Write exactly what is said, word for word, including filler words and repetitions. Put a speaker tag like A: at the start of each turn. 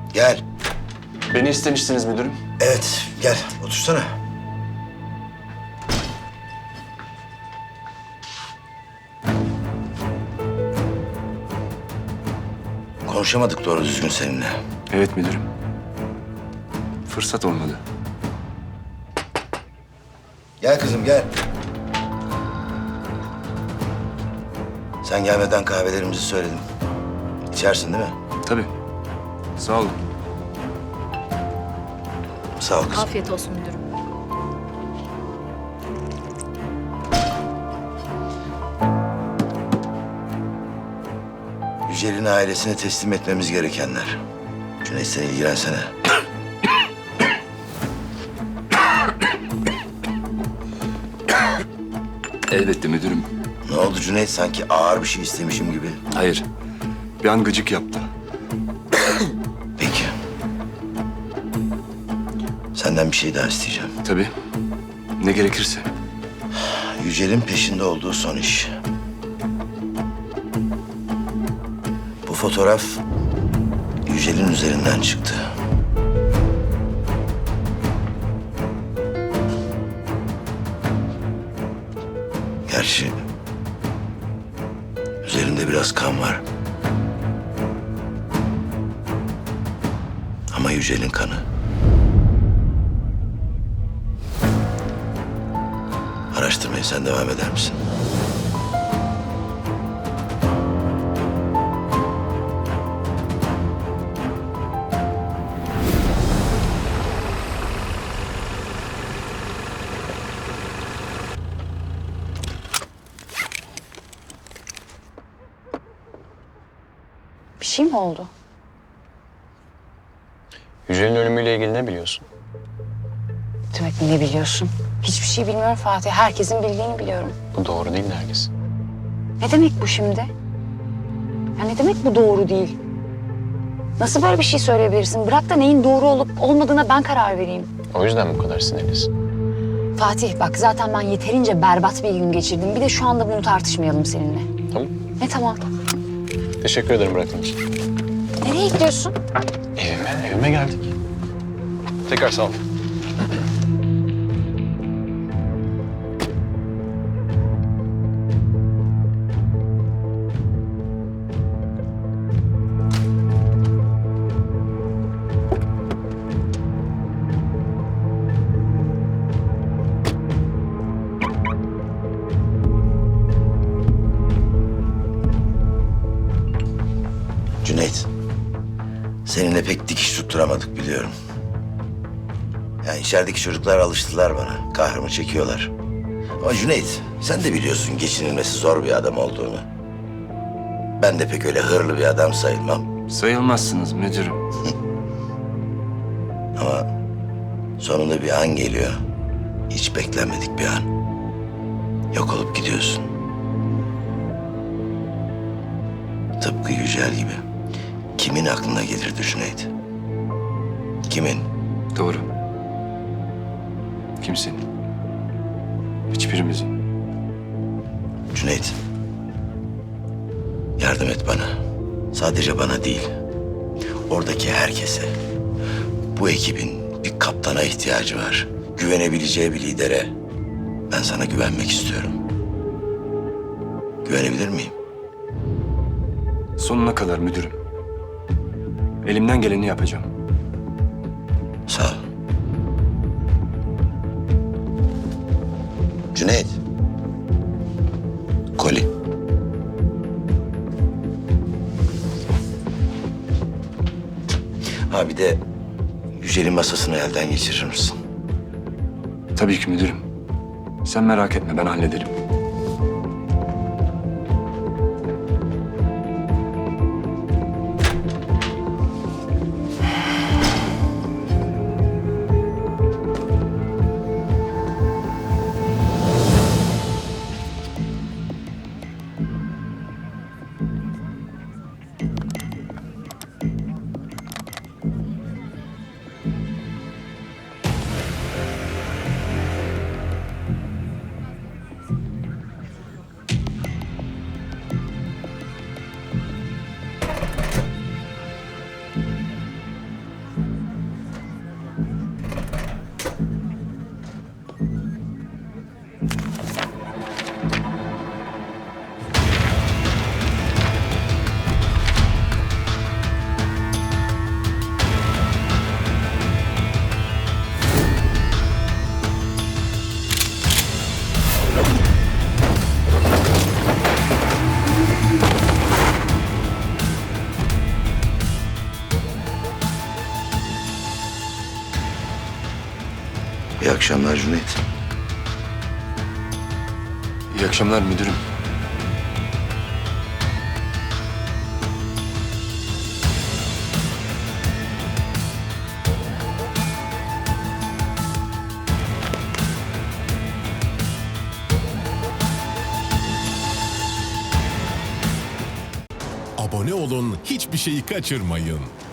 A: Gel.
B: Beni istemiştiniz müdürüm.
A: Evet, gel. Otursana. Konuşamadık doğru düzgün seninle.
B: Evet müdürüm. Fırsat olmadı.
A: Gel kızım, gel. Sen gelmeden kahvelerimizi söyledim. İçersin değil mi?
B: Tabii. Sağ olun.
A: Sağ ol kızım.
C: Afiyet olsun müdürüm.
A: Yücel'in ailesine teslim etmemiz gerekenler. Cüneyt sen ilgilensene.
B: Elbette müdürüm.
A: Ne oldu Cüneyt? Sanki ağır bir şey istemişim gibi.
B: Hayır. Bir an gıcık yaptı.
A: Peki. Senden bir şey daha isteyeceğim.
B: Tabii. Ne gerekirse.
A: Yücel'in peşinde olduğu son iş. Bu fotoğraf Yücel'in üzerinden çıktı. Gerçi üzerinde biraz kan var. Ama Yücel'in kanı. Araştırmaya sen devam eder misin?
D: Bir şey mi oldu?
E: Yücel'in ölümüyle ilgili ne biliyorsun?
D: Demek ne biliyorsun? Hiçbir şey bilmiyorum Fatih. Herkesin bildiğini biliyorum.
E: Bu doğru değil Nergis.
D: Ne demek bu şimdi? Ya ne demek bu doğru değil? Nasıl böyle bir şey söyleyebilirsin? Bırak da neyin doğru olup olmadığına ben karar vereyim.
E: O yüzden bu kadar sinirlisin.
D: Fatih bak zaten ben yeterince berbat bir gün geçirdim. Bir de şu anda bunu tartışmayalım seninle.
E: Tamam.
D: Ne tamam?
E: Teşekkür ederim bıraktığın için.
D: Nereye gidiyorsun?
E: Evime, evime geldik. Tekrar sağ ol.
A: Cüneyt, seninle pek dikiş tutturamadık biliyorum. Yani içerideki çocuklar alıştılar bana, kahrımı çekiyorlar. Ama Cüneyt, sen de biliyorsun geçinilmesi zor bir adam olduğunu. Ben de pek öyle hırlı bir adam sayılmam.
B: Sayılmazsınız müdürüm.
A: Ama sonunda bir an geliyor. Hiç beklenmedik bir an. Yok olup gidiyorsun. Tıpkı Yücel gibi. Kimin aklına gelirdi Cüneyt? Kimin?
B: Doğru. Kimsenin. Hiçbirimizin.
A: Cüneyt. Yardım et bana. Sadece bana değil. Oradaki herkese. Bu ekibin bir kaptana ihtiyacı var. Güvenebileceği bir lidere. Ben sana güvenmek istiyorum. Güvenebilir miyim?
B: Sonuna kadar müdürüm. Elimden geleni yapacağım.
A: Sağ ol. Cüneyt. Koli. Ha bir de Yücel'in masasını elden geçirir misin?
B: Tabii ki müdürüm. Sen merak etme ben hallederim.
A: akşamlar Cüneyt.
B: İyi akşamlar müdürüm.
C: Abone olun, hiçbir şeyi kaçırmayın.